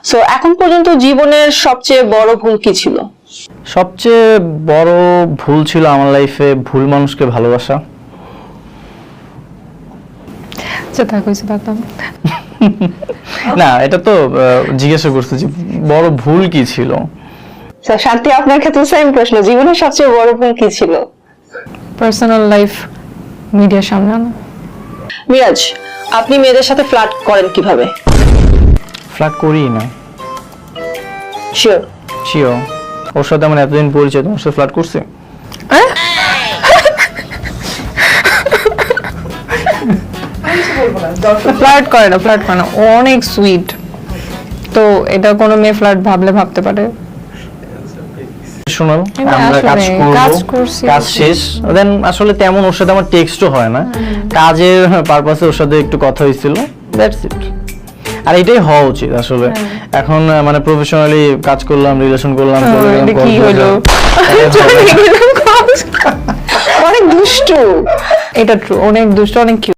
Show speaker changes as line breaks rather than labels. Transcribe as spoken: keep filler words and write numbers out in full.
So এখন পর্যন্ত জীবনের সবচেয়ে বড় ভুল কি ছিল?
সবচেয়ে বড় ভুল ছিল আমার লাইফে ভুল মানুষকে ভালোবাসা।
আচ্ছা থাক হয়েছে থাকতাম।
না এটা তো জিজ্ঞাসা করতে যে বড় ভুল কি ছিল।
স্যার শান্তি, আপনার ক্ষেত্রে সেম প্রশ্ন, জীবনের সবচেয়ে বড় ভুল কি ছিল?
পার্সোনাল লাইফ মিডিয়ার সামনে আনা।
মিরাজ, আপনি মেয়েদের সাথে ফ্লার্ট করেন কিভাবে?
ফ্লার্ট করি না।
শিওর?
শিওর। ওর সাথে আমার এতদিন পরিচয়, তোমার সাথে ফ্লার্ট করছে?
ফ্লার্ট করে না, ফ্লার্ট করে না, ও অনেক সুইট। তো এটা কোনো মেয়ে ফ্লার্ট ভাবলে ভাবতে পারে।
শোনো,
কিন্তু
আমরা কাজ
আসলে
করব,
কাজ করছি,
কাজ শেষ দেন আসলে তেমন ওর সাথে আমার টেক্সটও হয় না, কাজের পারপাসে ওর সাথে একটু কথা হয়েছিল, দ্যাটস ইট। আর এটাই হওয়া উচিত আসলে। এখন আহ, মানে প্রফেশনালি কাজ করলাম, রিলেশন করলাম, চলে গেলাম,
এটা কি হলো?
অনেক দুষ্টু।
এটা ট্রু, অনেক দুষ্ট, অনেক কিউট।